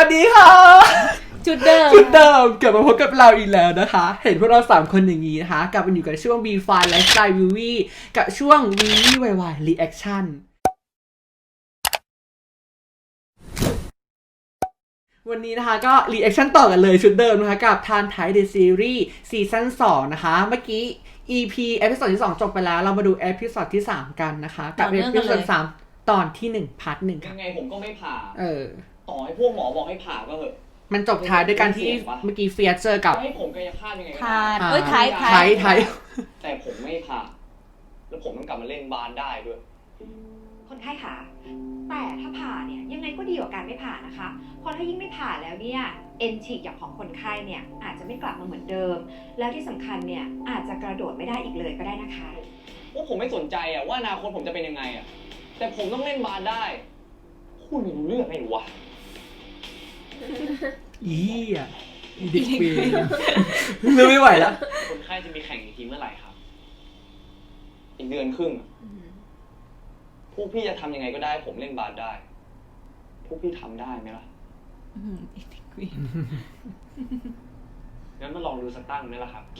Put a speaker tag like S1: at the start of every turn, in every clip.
S1: ดีค่ะ
S2: จุดเดิ
S1: มกลับมาพบกับเราอีกแล้วนะคะเห็นพวกเรา3คนอย่างนี้นะคะกลับมาอยู่กับช่วง B5 Lifestyle Viewy กับช่วง Viewy YY Reaction วันนี้นะคะก็ reaction ต่อกันเลยชุดเดิมนะคะกับทานไทย The Series ซีซั่น2นะคะเมื่อกี้ EP เอพิโซดที่2จบไปแล้วเรามาดูเอพิโซดที่3กันนะคะกับเอพิโซด3ตอนที่1พาร์ท1ค่ะ
S3: ยังไงผมก็ไม่ผ่าต่อให้พวกหมอบอกให้ผ่าก็เถอะ
S1: มันจบท้ายด้วยการที่เมื่อกี้เฟียสเจอกับ
S3: ให้ผมกายภาพยังไงก็
S2: ได้ไทย
S3: แต่ผมไม่ผ่าแล้วผมต้องกลับมาเล่นบาสได้ด้วย
S4: คนไข้ค่ะแต่ถ้าผ่าเนี่ยยังไงก็ดีกว่าการไม่ผ่านะคะเพราะถ้ายิ่งไม่ผ่าแล้วเนี่ยเอ็นฉีกอย่างของคนไข้เนี่ยอาจจะไม่กลับมาเหมือนเดิมแล้วที่สำคัญเนี่ยอาจจะกระโดดไม่ได้อีกเลยก็ได้นะคะ
S3: ว่าผมไม่สนใจอะว่าอนาคตผมจะเป็นยังไงอะแต่ผมต้องเล่นบาสได้คุณไม่รู้เรื่องไงวะ
S1: อีอ่ะเด็กเวรไม่ไหวแล้ว
S3: คนไข้จะมีแข่งอีกทีเมื่อไหร่ครับอีกเดือนครึ่งพวกพี่จะทำยังไงก็ได้ผมเล่นบาสได้พวกพี่ทำได้ไหมล่ะงั้นมาลองดูสักตั้งไหมล่ะครับ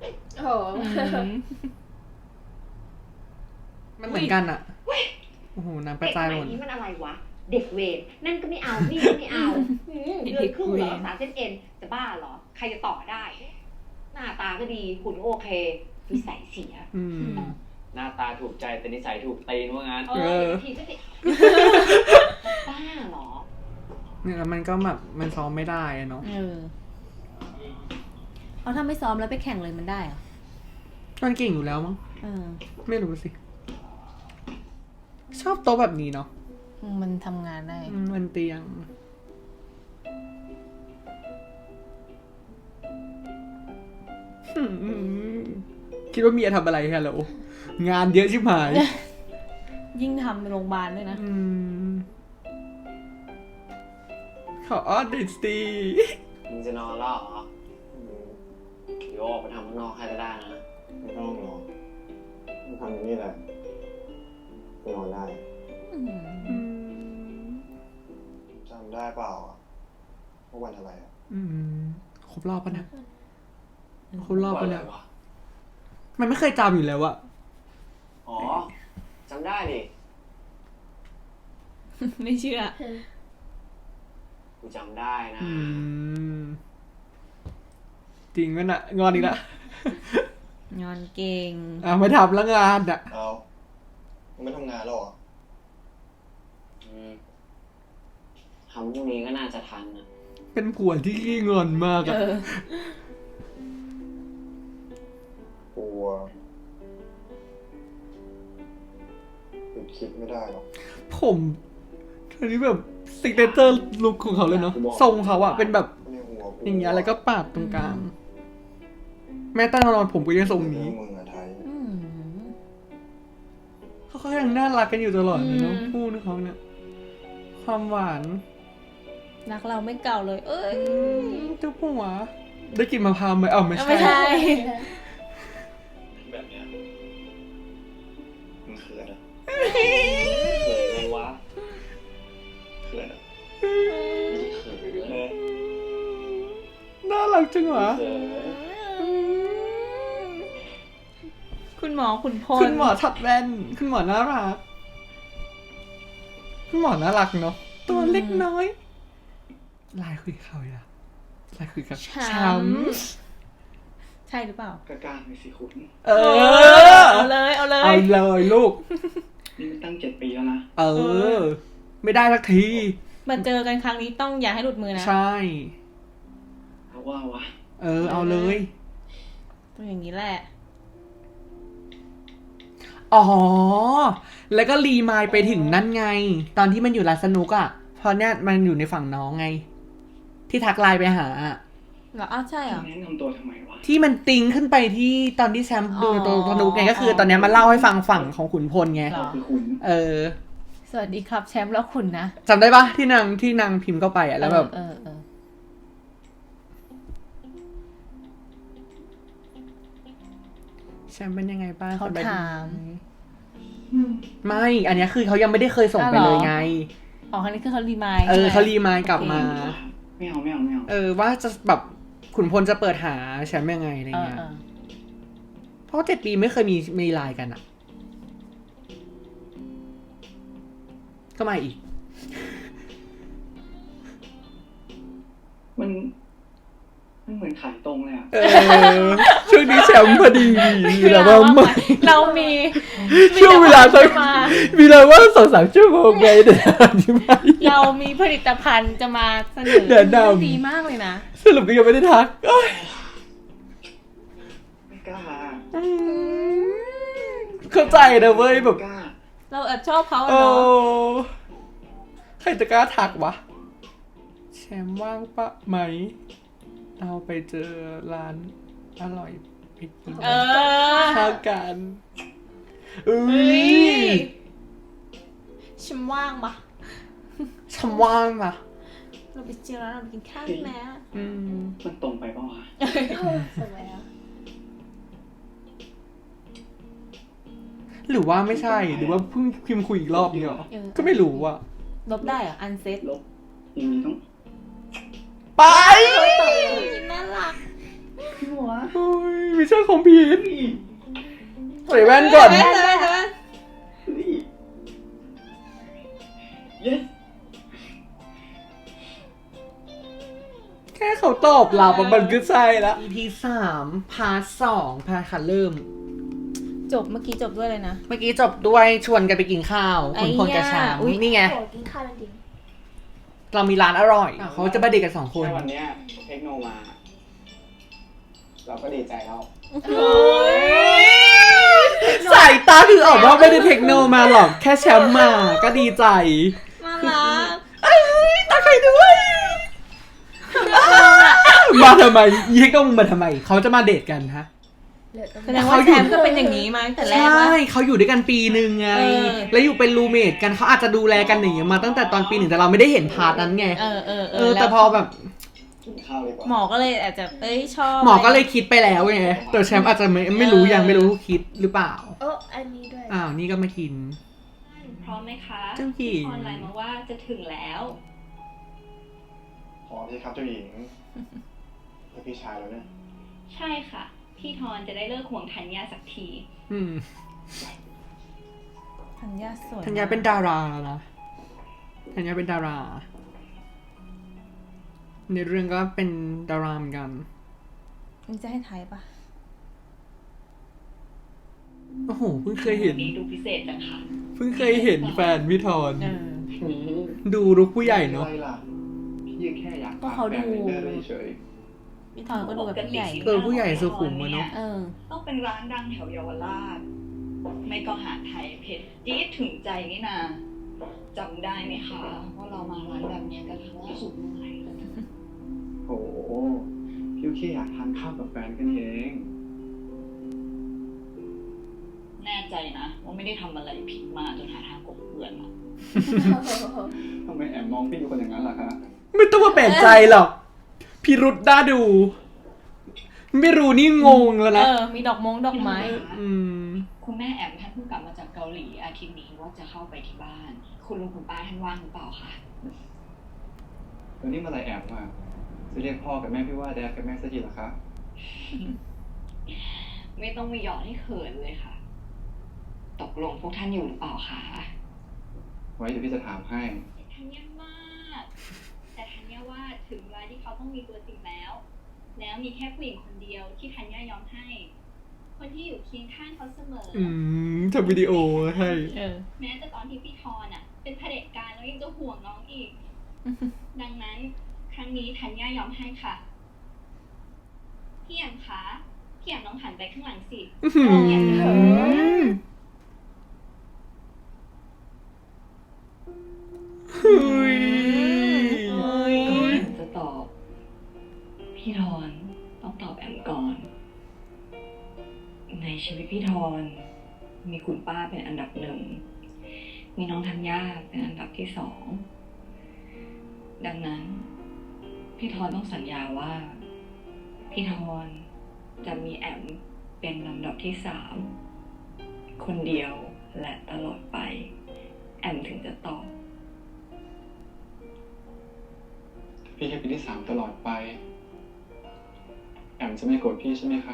S1: มันเหมือนกันอ่ะโอ้โหน้ำกระจายหมด
S4: นี่มันอะไรวะเด็กเวรนั่นก็ไม่เอานี่ก็ไม่เอาเดือนครึ่งเหรอ3 เส้นเอ็นจะบ้าเหรอใครจะต่อได้หน้าตาก็ดีหุ่นโอเคนิสัยเสีย
S3: หน้าตาถูกใจแต่นิสัยถูกตีนว่างั้น
S4: ทีก็ติดบ้าเหรอ
S1: เนี่ยแล้วมันก็แบบมันซ้อมไม่ได้เนาะ
S2: เขาทำไม่ซ้อมแล้วไปแข่งเลยมันได้เหรอ
S1: มันเก่งอยู่แล้วมั้งไม่รู้สิชอบโต๊ะแบบนี้เนาะ
S2: มันทำงานได้
S1: มันเตียงคิดว่าเมียทำอะไรฮะเหรองานเยอะชิบหาย
S2: ยิ่งทำโรงพยาบาลด้วยนะ
S1: ขอออดิสตี
S3: มึงจะนอนแล้วเหรอโยกไปทำข้างนอกให้ได้นะ
S5: ไม่ต้องหรอกมึงทำอย่างนี้แหละนอนได้จำได้เปล่าว่าวันอะไร
S1: ครบรอบปะนะครบรอบปะเนี่ยมันไม่เคยจำอยู่แล้วอะ
S3: อ๋อจำได้ดิ
S2: ไม่เชื่อ
S3: กูจำได้นะ
S1: จริงมั้ยน่ะงอนอีกแล้ว
S2: งอนเก่ง
S1: ไม่ทำแล้วงานอะ
S5: เอาไม่ทำงานแล้วเหรอ
S3: ทำพรุ่งนี้ก็น่าจะทันนะ
S1: เป็นผัวที่ขี้งอนมากอะ
S5: กลัวหยุดคิดไม่ได้หรอก
S1: ผมทีนี้แบบซิกเนเจอร์ลุคของเขาเลยเนาะทรงเขาอะเป็นแบบอย่างเงี้ยแล้วก็ปาดตรงกลางแม้แต่นอนผมก็ยังทรงนี้เขายังน่ารักกันอยู่ตลอดเลยเนาะคู่นึงเขาเนี่ยความหวาน
S2: รักเราไม่เก่าเลย
S1: เจ้าผัวได้กินมะพร้าวไหมไม่ใช่
S5: แบบเนี้ยมันเขินอะ
S3: เขินไงวะ
S5: เขินอะ
S3: เขิน
S1: น่ารักจังวะ
S2: คุณหมอขุนพล
S1: คุณหมอถัดแว่นคุณหมอน่ารักคุณหมอน่ารักเนาะตัวเล็กน้อยลายคุยเขาอะลายคุยกับช้
S2: ำใช่หรือเปล่า
S3: ก็กล้าไปสิคุณ
S2: เอา
S1: เลยลูก
S3: นี่มันตั้ง7 ปีแล้วนะ
S1: ไม่ได้สักที
S2: มาเจอกันครั้งนี้ต้องอย่าให้หลุดมือนะ
S1: ใช่
S3: เอาว่าวะ
S1: เอาเลย
S2: ต้องอย่างนี้แหละ
S1: แล้วก็รีมายไปถึงนั่นไงตอนที่มันอยู่ร้านสนุกอ่ะเพราะเนี่ยมันอยู่ในฝั่งน้องไงที่ทักไลน์ไปหา
S2: เหรอใช่เหรอ
S3: แนะนำตัวทำไมวะ
S1: ที่มันติงขึ้นไปที่ตอนที่แซมดูตัวสนุกไงก็คือตอนนี้มาเล่าให้ฟังฝั่งของขุนพลไง
S2: สวัสดีครับแชมป์แล้วคุณนะ
S1: จำได้ปะที่นางพิมพ์เข้าไปอ่ะแล้วแบบแชมป์เป็นยังไงบ้าง
S2: เขาถาม
S1: ไม่อันนี้คือเขายังไม่ได้เคยส่งไปเลยไง
S2: ครั้งนี้คือเขารีมาย
S1: เขารีมายกลับมา
S3: ไม่เอา
S1: ว่าจะแบบขุนพลจะเปิดหาแชมป์ยังไงอะไร
S2: เออ
S1: เงี้ย
S2: เออ
S1: เพราะ7 ปีไม่เคยมีไลน์กันอะก็มาอีก
S3: มันเหมือนขายตรงเลยอ่ะ
S1: ช่วงนี้แชมป์พอดีแล้วว่าไม่
S2: เรามี
S1: ช่วงเวลาสัก
S2: มา
S1: มีเราว่า2-3 ชั่วโมงไงเดี๋ยวใช่ไหม
S2: เรามีผลิตภัณฑ์จะมาเสนอ
S1: แนะนำ
S2: ดีมากเลยนะ
S1: สรุปก็ยังไม่ได้ทักโอ๊ย
S3: ไม่กล้า
S1: เข้าใจนะเว้ยแบบ
S3: กล้า
S2: เราแอบชอบเขาอะ
S1: โอ้
S2: เนาะ
S1: ใครจะกล้าทักวะ แชมป์ว่างปะไหม เราไปเจอร้านอร่อยไปกิน
S2: เออ
S1: ข้าวกันอุ้
S2: เฮ้ย
S1: ย
S2: ฉันว่างปะ
S1: แชมป์ว่างปะ
S2: เราไปเจอร้านเราไปกินข้าวนะ
S3: มันตรงไปเปล่าวะ
S2: สวยอ่ะ
S1: หรือว่าไม่ใช่ หรือว่าเพิ่งพิมพ์คุยอีกรอบเนี่ยหรอ ก็ไม่รู้อ่ะ
S2: ลบได้เหรออันเซ็ต
S3: ลบอย่างนี้ต้อง
S1: ไป
S2: น่ารัก
S3: พี่หัว
S1: โอ้ยมิชชั่นคอมพลีทใส่แว่นก่อน
S2: เฮ้ย
S3: yes
S1: แค่เขาตอบรับอะมันก็ใช่ละ EP 3 พาร์ท 2 พาร์ทค่ะเริ่ม
S2: จบเมื่อกี้จบด้วยเลยนะ
S1: เมื่อกี้จบด้วยชวนกันไปกินข้าวคุณพลกับช้าง
S2: อุ๊ย
S1: นี่ไง
S6: โอ้กินข้าวจริง
S1: เรามีร้านอร่อย เขาจะไปเด็กกัน2 คน
S3: แค่วันเนี้ยเทคโนมา เราก็ดีใจแล้ว
S1: สายตาคือออกว่าไม่ได้เทคโนมาหรอก แค่แชมป์มาก็ดีใจ
S2: น่ารัก
S1: เอ้ยตาใครด้วย มาทำไมยี่เทคโนมึงมาทำไม เขาจะมาเดทกันฮะ
S6: เหลือตรง
S2: แสดงว่าแชมป์ก็เป็นอย่างนี้มาตั้งแต่แรก
S1: ใช่
S2: วะ
S1: เขาอยู่ด้วยกันปีหนึ่งไง
S2: เออ
S1: แล้วอยู่เป็นรูเมทกันเขาอาจจะดูแลกันอย่างเงี้ยมาตั้งแต่ตอนปี 1แต่เราไม่ได้เห็นพาร์ทนั้นไง แต่พอแบบ
S3: กินข้าวดีกว่า
S2: หมอก็เลยอาจจะชอบ
S1: หมอก็เลยคิดไปแล้วไงแต่แชมป์อาจจะไม่รู้ยังไม่รู้คิดหรือเปล่า
S6: โอ้อันนี้ด้วย
S1: อ้าวนี่ก็มากิน
S4: พร้อมไหมคะ
S1: เจ้าหญิง
S4: พี่พรไลน์มาว่าจะถึงแล้ว
S5: ขอพี่ครับเจ้าหญิงให้พี่ชายแล้วเนี่ย
S4: ใช่ค่ะ พี่ทอนจะได้เลิกห่วงธัญญาสักที
S1: อืม
S2: ธัญญาสวย
S1: ธัญญาเป็นดาราแล้วนะธัญญาเป็นดารา ในเรื่องก็เป็นดาราเหมือนกัน
S2: นี่จะให้ไทยปะ
S1: โอ้โหเพิ่งเคยเห็น
S4: นี้ดูพิเศษจังค่ะ
S1: เพิ่งเคยเห็นแฟนพี่ทอน
S2: เออ
S1: ดูรุกผู้ใหญ่เนาะ
S5: อะไรล่ะ
S3: พี่แค่อยาก
S2: ก็เขาดู
S3: แฟนเป็นเดอร์เฉย
S2: พี่ทอยก็ดูแบบผู้ใหญ่
S1: ผู้ใหญ่สุขุมอะเนาะ
S2: เออ
S4: ต้องเป็นร้านดังแถวเยาวราช ไม่ก็หาไทยเพชรจี๊ดถึงใจนี่นาจำได้ไหมคะว่าเรามาร้านแบบเนี้ยกันครั้งล่าสุดเมื่อไหร่
S3: โอ้โหพี่แค่อยากทานข้าวกับแฟนกันเอง
S4: แน่ใจนะว่าไม่ได้ทำอะไรผิดมาจนหาทางกบเกลื่อนอะ
S3: ทำไมแอบมองพี่อยู่คนอย่างนั้นล่ะคะ
S1: ไม่ต้องมาแปลกใจหรอก พิรุษน่าดู ไม่รู้นี่งงแล้ว
S2: เอ
S1: นะ
S2: อ มีดอกไม้
S1: อืม
S4: คุณแม่แอมท่านเพิ่งกลับมาจากเกาหลีอาทิตย์นี้ว่าจะเข้าไปที่บ้าน คุณลุงคุณป้าท่านว่างหรือเปล่าคะ
S3: แล้วนี่เมื่อไหรแอบมาจะเรียกพ่อกับแม่พี่ว่าแดดกับแม่สักทีเหรอคะ
S4: ไม่ต้องมีหยอดให้เขินเลยค่ะ ตกลงพวกท่านอยู่หรือเปล่าคะ
S3: ไว้เดี๋ยวพี่จะถามให้
S4: ธัญญามาก แต่ธัญญาว่าถึงเวลาที่เขาต้องมีตัวจริงแล้ว แล้วมีแค่ผู้หญิงคนเดียวที่ธัญญายอมให้ คนที่อยู่เคียงข้างเขาเสมออ
S1: ทำวิดีโอให้
S2: เออ
S4: แม้แต่ตอนที่พี่ทอนอ่ะ เป็นเผด็จการแล้วยังจะห่วงน้องอีก ดังนั้นครั้งนี้ธัญญายอมให้ค่ะ พี่แอมคะพี่แอมลองหันไปข้างหลังสิ
S1: อื้อหือ เฮ้ย
S4: ก่อนจะตอบ พี่ทอนต้องตอบแอมก่อน ในชีวิตพี่ทอนมีคุณป้าเป็นอันดับ 1 มีน้องธัญญาเป็นอันดับที่ 2 ดังนั้น พี่ทอนต้องสัญญาว่า พี่ทอนจะมีแอมเป็นลำดับที่ 3 คนเดียวและตลอดไป แอมถึงจะตอบ
S7: พี่แค่เป็นที่ 3ตลอดไป แอมจะไม่โกรธพี่ใช่ไหมคะ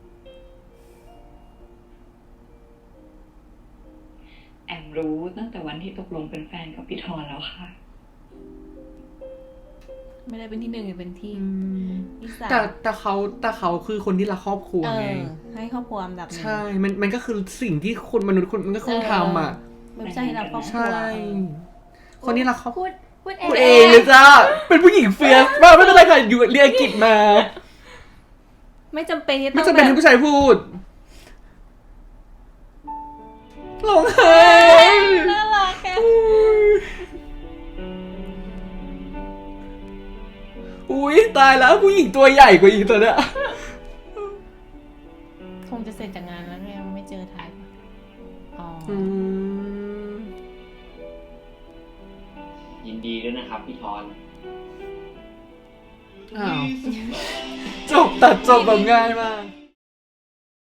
S8: แอมรู้ตั้งแต่วันที่ตกลงเป็นแฟนกับพี่ทอนแล้วค่ะ
S2: ไม่ได้เป็นที่หนึ่งเป็นที่ที่สาม
S1: แต่เขาคือคนที่รักครอบครัวไง
S2: ให้ครอบครัวอันดับหนึ่ง
S1: ใช่ มันก็คือสิ่งที่คนมนุษย์คนมันก็ควรทำอ่ะ
S2: ไม่ใช่ให้รักครอบครัว
S1: ใช่ คนที่รักครอบครัว
S6: พูดเอ
S1: พูดเองเลยจ้าเป็นผู้หญิงเฟียสมากไม่เป็นไรค่ะอยู่เรียนอังกฤษมา
S2: ไม่จำเป็นที่
S1: ไม่
S2: ต้อง
S1: จำเป็นให้
S2: แบบ
S1: ผู้ชายพูดร้องไห้
S2: น่ารักแก
S1: อุ้ยตายแล้วผู้หญิงตัวใหญ่กว่าอีกตัวเนี้ย
S2: คงจะเสร็จจากงานแล้วยังไม่เจอถ่ายอ๋อ
S3: ยินดีด้วยนะครับพี่ทอน
S1: อ้าวจบตัดจบแบบง่ายมาก